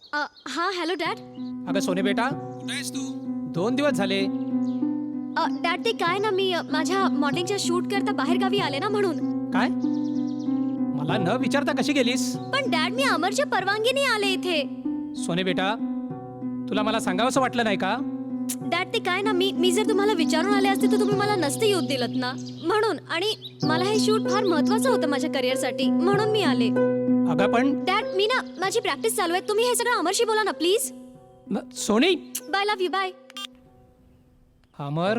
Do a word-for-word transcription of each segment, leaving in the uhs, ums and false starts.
अ, हा hello dad. अगं सोने बेटा कुठे आहेस तू? दोन दिवस झाले. अ, डॅड ते काय ना मी अ, माझ्या मॉडेलिंगच्या शूट करता बाहेर गावी आले ना म्हणून. काय? मला न विचारता कशी गेलीस? पण डॅड मी अमरच्या परवानगीने आले इथे. सोने बेटा तुला मला सांगावंसं वाटलं नाही का? डॅड ते काय ना मी मी जर तुम्हाला विचारून आले असते तर तुम्ही मला नसते येऊ दिलत ना म्हणून. आणि मला हे शूट फार महत्वाचं होतं माझ्या करिअरसाठी म्हणून मी आले. अगं पण डॅड मी ना माझी प्रॅक्टिस चालू आहे. तुम्ही हे सगळं अमरशी बोला ना प्लीज. न- Soni. Bye love you bye. Amar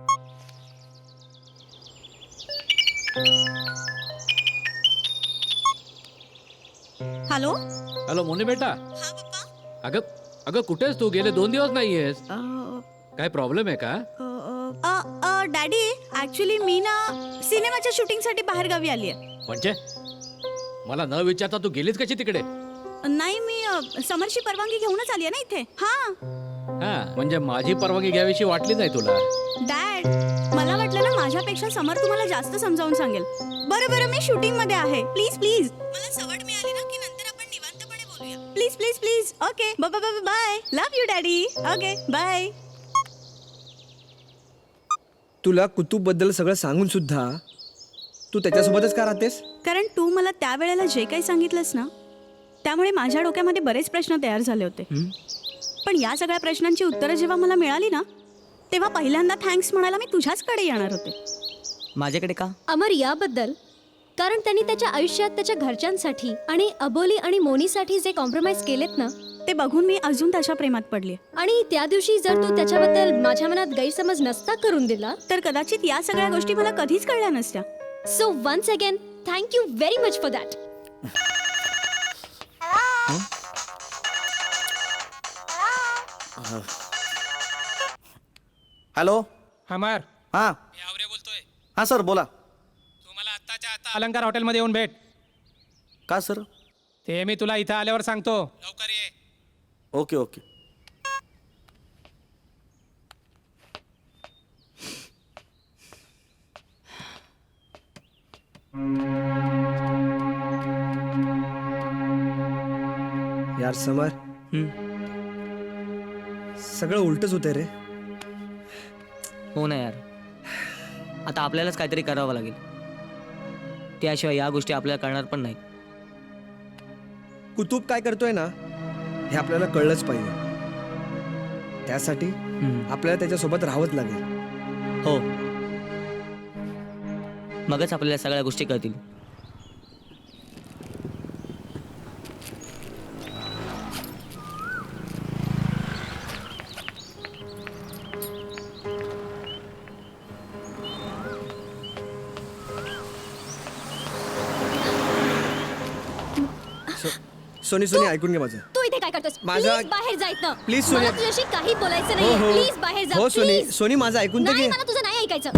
hello. Hello मोने बेटा. हा पप्पा. अगं अगं कुठेस तू? गेले दोन दिवस नाहीयेस. अ, काय प्रॉब्लेम आहे का? अ, अ, डॅडी ऍक्च्युली मी ना सिनेमाच्या शूटिंगसाठी बाहेर गावी आली आहे. म्हणजे मला न विचारता तू गेलीस कशी तिकडे? नाही मी अ, समरची परवानगी घेऊनच आली आहे ना इथे. हा हा म्हणजे माझी परवानगी घ्यावीशी वाटली नाही तुला? डॅड मला वाटलं ना माझ्यापेक्षा समर तुम्हाला जास्त समजावून सांगेल. बरं बरं मी शूटिंग मध्ये आहे. प्लीज प्लीज मला सवड मिळाली ना की नंतर आपण निवांतपणे बोलूया. Please please please. Okay bye bye bye. Love you daddy. Okay bye. तुला कुतुब बद्दल सगळं सांगून सुद्धा तू त्याच्यासोबतच का राहतेस? कारण तू मला त्यावेळेला जे काही सांगितलंस ना त्यामुळे माझ्या डोक्यामध्ये बरेच प्रश्न तयार झाले होते. पण या सगळ्या प्रश्नांची उत्तरं जेव्हा मला मिळाली ना तेव्हा पहिल्यांदा थँक्स म्हणायला मी तुझ्याचकडे येणार होते. माझ्याकडे का? अमर याबद्दल कारण त्यांनी त्याच्या आयुष्यात त्याच्या घरच्यांसाठी आणि अबोली आणि मोनीसाठी जे कॉम्प्रोमाइज केलेत ना ते बघून मी अजून त्याच्या प्रेमात पडली. आणि त्या दिवशी जर तू त्याच्याबद्दल माझ्या मनात गैरसमज नसता करून दिला तर कदाचित या सगळ्या गोष्टी मला कधीच कळल्या नसत्या. So once again thank you very much for that. Hello. Amar हां मी आवरे बोलतोय. हां सर बोला. तू मला आत्ताच्या आता अलंकार हॉटेलमध्ये येऊन भेट. का सर? ते मी तुला इथं आल्यावर सांगतो. लवकर ये. Okay okay. यार समर सगळं उलटच होतंय रे. हो ना यार. आता आपल्यालाच काहीतरी करावं लागेल. त्याशिवाय या गोष्टी आपल्याला कळणार पण नाही. कुतुब काय करतोय ना हे आपल्याला कळलंच पाहिजे. त्यासाठी हम्म. आपल्याला त्याच्यासोबत राहावंच लागेल. हो मगच आपल्याला सगळ्या गोष्टी कळतील. सोनी सोनी ऐकून घे माझं. तू इथे काय करतोस? माझा- प्लीज बाहेर जायत ना. Please, सोनिया. मला तुझ्याशी काही बोलायचं हो नाहीये. हो प्लीज बाहेर जा. हो सोनी प्लीज. सोनी माझं ऐकून तर नाही घे. मला तुझं नाही ऐकायचं.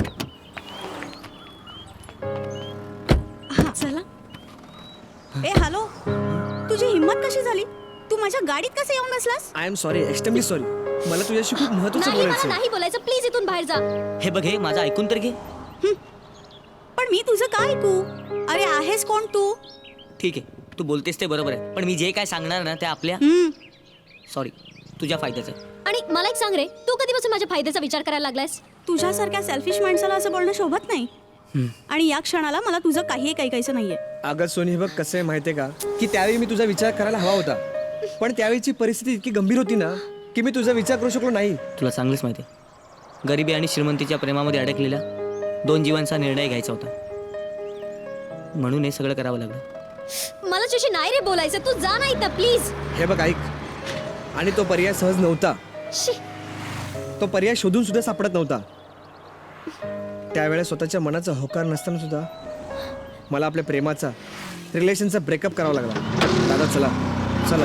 हा चला. ए हॅलो. तुझी हिंमत कशी झाली? तू माझ्या गाडीत कसं येऊन बसलास? I am sorry extremely sorry. मला तुझ्याशी खूप महत्वाचं नाही मला बोलायचं. नाही बोलायचं. प्लीज इथून बाहेर जा. हे बघ हे माझं ऐकून तर घे. पण मी तुझं काय ऐकू? अरे आहेस कोण तू? ठीक आहे तू बोलतेस ते बरोबर आहे. पण मी जे काय सांगणार ना ते आपल्या हम्म. सॉरी तुझ्या फायद्याचं आहे. आणि मला एक सांग रे तू कधीपासून माझ्या फायद्याचा विचार करायला लागलायस? तुझ्यासारख्या सेल्फिश माणसाला असं बोलणं शोभत नाही. आणि या क्षणाला मला तुझं काही ऐकायचं नाहीये. अगं सोनी हे बघ कसं आहे माहितीये का की त्यावेळी मी तुझा विचार करायला हवा होता. पण त्यावेळीची परिस्थिती इतकी गंभीर होती ना की मी तुझा विचार करू शकलो नाही. तुला चांगलंच माहिती आहे गरिबी आणि श्रीमंतीच्या प्रेमामध्ये अडकलेल्या दोन जीवांचा निर्णय घ्यायचा होता. म्हणून हे सगळं करावं लागलं. मला तुझ्याशी नाही रे बोलायचं. तू जा नाही तर प्लीज. हे बघ ऐक. आणि तो पर्याय सहज नव्हता. शी. तो पर्याय शोधून सुद्धा सापडत नव्हता. त्यावेळेस स्वतःच्या मनाचा होकार नसताना सुद्धा मला आपल्या प्रेमाचा रिलेशनचा ब्रेकअप करावा लागला. दादा चला चला.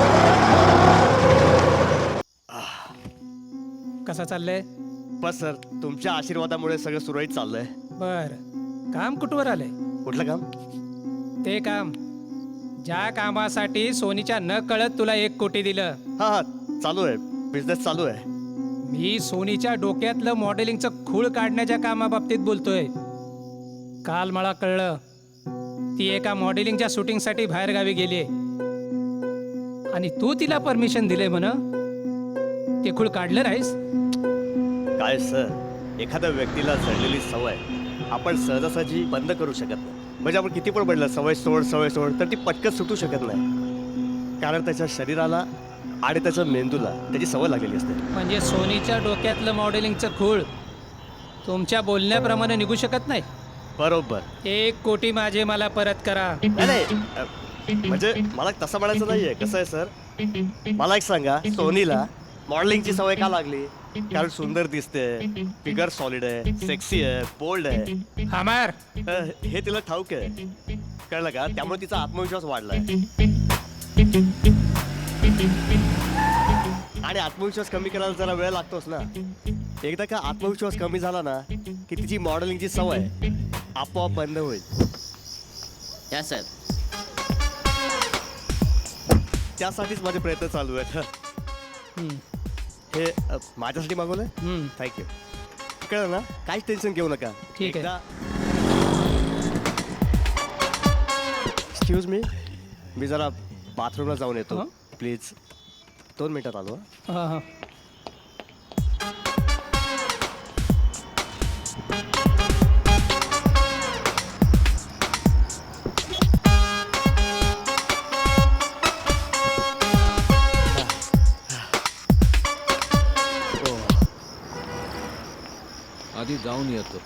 कसं चाललंय? बस सर तुमच्या आशीर्वादामुळे सगळं सुरळीत चाललंय. बर काम कुठवर आलंय? कुठलं काम? ते काम ज्या कामासाठी सोनीच्या न कळत तुला एक कोटी दिलं. हां हां चालू आहे. बिझनेस चालू आहे. मी सोनीच्या डोक्यातलं मॉडेलिंगचं खूळ काढण्याच्या कामाबाबतीत बोलतोय. काल मला कळलं ती एका मॉडेलिंगच्या शूटिंगसाठी बाहेर गावी गेली. आणि तू तिला परमिशन दिले म्हण ते खूळ काढलं नाहीस. काय सर, एखाद्या व्यक्तीला जडलेली सवय आपण सहजासहजी बंद करू शकत नाही. म्हणजे आपण किती पण म्हटलं सवय सोड सवय सोड तर ती पटकन सुटू शकत नाही, कारण त्याच्या शरीराला आणि त्याच्या मेंदूला त्याची सवय लागलेली असते. म्हणजे सोनीच्या डोक्यातलं मॉडेलिंगचं खूळ तुमच्या बोलण्याप्रमाणे निघू शकत नाही. बरोबर. एक कोटी माझे मला परत करा. नाही नाही, अ, म्हणजे मला तसं म्हणायचं नाहीये. कसं आहे सर, मला एक सांगा, सोनीला मॉडेलिंगची सवय का लागली? कारण सुंदर दिसते, फिगर सॉलिड आहे, सेक्सी आहे, बोल्ड आहे. अमर, अ, हे तिला ठाऊक आहे, कळलं का? त्यामुळे तिचा आत्मविश्वास वाढलाय. आणि आत्मविश्वास कमी करायला जरा वेळ लागतोच ना. एकदा का आत्मविश्वास कमी झाला ना की तिची मॉडेलिंगची सवय आपोआप बंद होईल. या साहेब. त्यासाठीच माझे प्रयत्न चालू आहेत. हम्म, हे अ, माझ्यासाठी मागवलंय. हम्म. थँक्यू. कळलं ना, काहीच टेन्शन घेऊ नका. ठीक आहे. एक्सक्यूज मी, मी जरा बाथरूमला जाऊन येतो. हं? प्लीज दोन मिनिटात आलो. हं? हा, हा. आधी जाऊन येतो.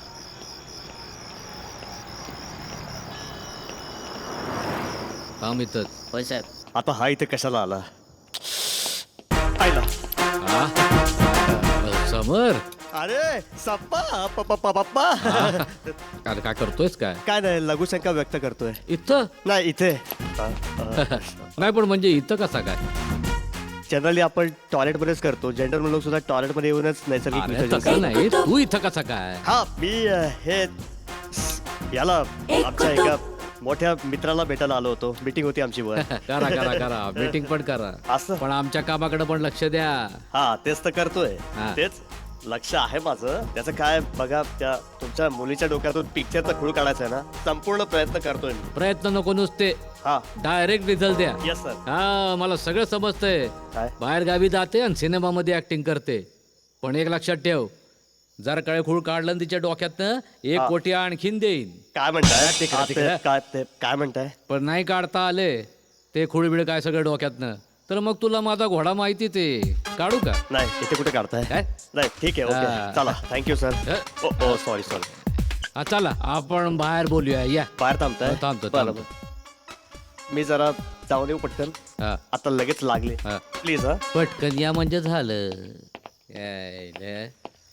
थांब इथंच. होय साहेब. आता हा इथे कशाला आला? आयला. हा? अ, समर, अरे सप्पा पप्पा पप्पा. अरे काय करतोयस काय? काय नाही, लघुशंका व्यक्त करतोय. इथं नाही इथे. अ, अ, नाही, पण म्हणजे इथं कसा काय? जनरली आपण टॉयलेटमध्येच करतो. जेंडर लोक सुद्धा टॉयलेटमध्ये येऊनच नैसर्गिक अरे विसर्जन तसं करतात. नाही, तू इथं कसा काय? हा, मी अ, हे याला आमच्या एका मोठ्या मित्राला भेटायला आलो होतो. मीटिंग होती आमची वर. करा करा करा मीटिंग पण करा, असं? पण आमच्या कामाकडे पण लक्ष द्या. हा, तेच तर करतोय. हा. तेच लक्ष आहे माझं. त्याचं काय बघा, त्या तुमच्या मुलीच्या डोक्यातून पिक्चरचा खूळ काढायचा आहे ना, संपूर्ण प्रयत्न करतोय मी. प्रयत्न नको नुसते, हा, डायरेक्ट रिझल्ट द्या. Yes sir. हा, मला सगळं समजतंय. काय? बाहेर गावी जाते आणि सिनेमामध्ये ऍक्टिंग करते, पण एक लक्षात ठेव, जर कळे खूळ काढलं ना तिच्या डोक्यातनं, एक हा. कोटी आणखीन देईन. काय म्हणताय? तिकडे, हा, ते- तिकडे. काय ते काय म्हणताय? पण नाही काढता आले ते खूळबिळ काय सगळं डोक्यातनं, तर मग तुला माझा घोडा माहिती ते काढू का? नाही, इथे कुठे काढताय? काय? नाही, ठीक आहे. हा. ओके, चला. Thank you sir. अ? Oh oh sorry sorry. हा, चला आपण बाहेर बोलूया. या. बाहेर थांबताय? हो, थांबतो, बरं, थांबतो. बरं. मी जरा जाऊन येऊ पटकन. हा, आता लगेच लागले. हा. प्लीज. हा, पटकन या म्हणजे झालं. यायले.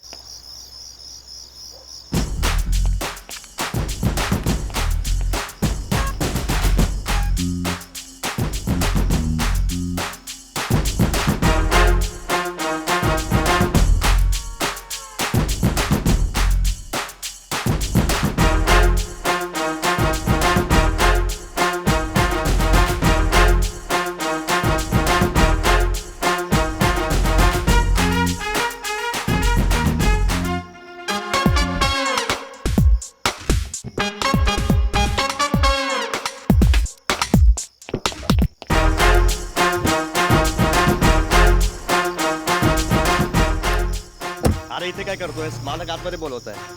अरे इथे काय करतोय? मालक आतमध्ये बोलवत आहे.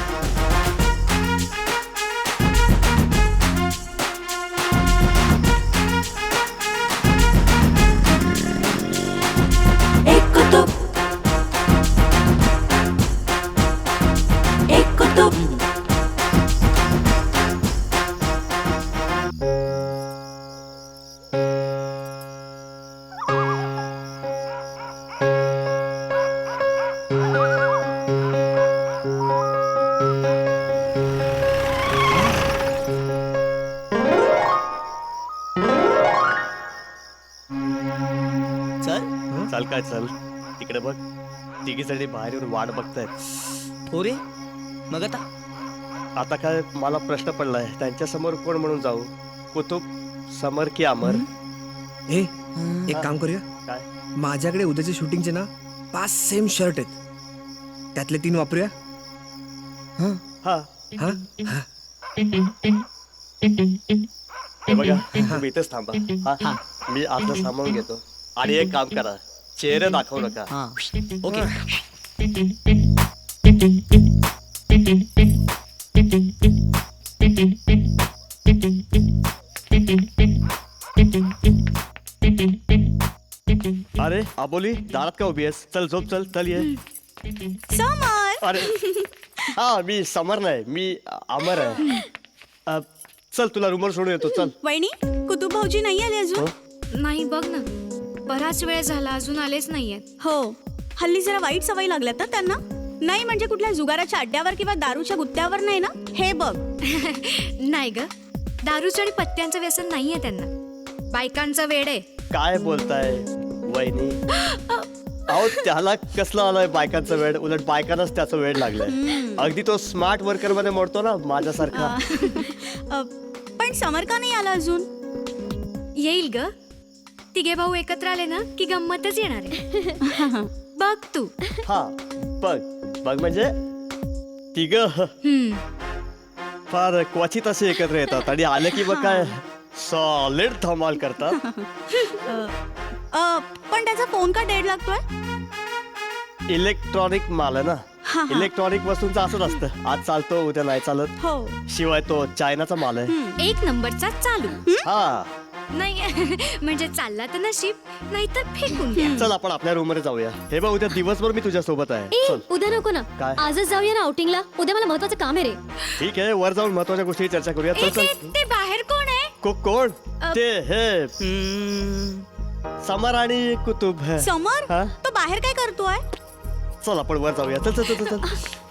चल. चल काय चल, तिकडे बघ. तिघीसाठी बाहेर येऊन वाट बघतायत. हो रे. मग आता आता काय मला प्रश्न पडलाय, त्यांच्या समोर कोण म्हणून जाऊ? कुतुब, समर की अमर? ए एक हा. काम करूया. काय? माझ्याकडे उद्याच्या शूटिंगचे ना पाच सेम शर्ट आहेत, त्यातले तीन वापरूया. हा हा, हा हा हे बघा, तुम्ही इथेच थांबा हा मी आपलं सांभाळून घेतो. आणि एक काम करा, चेहरे दाखवू नका. हां ओके. अरे आबोली, दारात का उभी आहेस? चल झोप, चल चल ये. समर अरे हा मी समर नाही, मी अमर आहे. अ, चल तुला रूमवर सोडून येतो. चल. वहिनी, कुतुब भाऊजी नाही आले अजून? नाही बघ ना, बराच वेळ झाला अजून आलेच नाहीयेत. हो, हल्ली जरा वाईट सवय लागल्यात ना त्यांना. नाही म्हणजे कुठल्या जुगाराच्या अड्ड्यावर किंवा दारूच्या गुत्त्यावर नाही ना. हे बघ. नाही ग, दारूचं आणि पत्त्यांचं व्यसन नाहीये त्यांना. बायकांचं वेड आहे. काय बोलताय वहिनी? अहो त्याला कसलं आलंय बायकांचं वेड? उलट बायकांनाच त्याचं वेड लागलंय. अगदी तो स्मार्ट वर्कर मध्ये मोडतो ना माझ्यासारखा. अ, पण समर का नाही आला अजून? येईल ग. तिघे भाऊ एकत्र आले ना की गंमतच येणार आहे. बघ तू. हा बघ बघ म्हणजे तिघ हम्म. फार क्वचित असे एकत्र येतात आणि आले की मग काय सॉलिड धमाल करतात. अ, पण त्याचा फोन का डेड लागतोय? इलेक्ट्रॉनिक माल आहे ना. हा, हा. इलेक्ट्रॉनिक वस्तूंचं असंच असतं, आज चालतो उद्या नाही चालत. हो. शिवाय तो चायनाचा माल आहे. एक नंबरचा चालू. हा नाही म्हणजे चालला तर नशीब, नाही तर फेकून द्या. चल आपण आपल्या रूम मध्ये जाऊया. हे बघ उद्या दिवसभर मी तुझ्या सोबत आहे. ए, चल. उद्या नको ना. काय? आजच जाऊया ना आउटिंगला. उद्या मला महत्वाचं काम आहे रे. ठीक आहे, वर जाऊन महत्वाच्या गोष्टी चर्चा करूया. ए, चल ते चल. ते बाहेर कोण आहे? को कोण? अ, ते हे समर आणि कुतुब. समर हा? तो बाहेर काय करतोय? चल आपण वर जाऊया. चल चल चल चल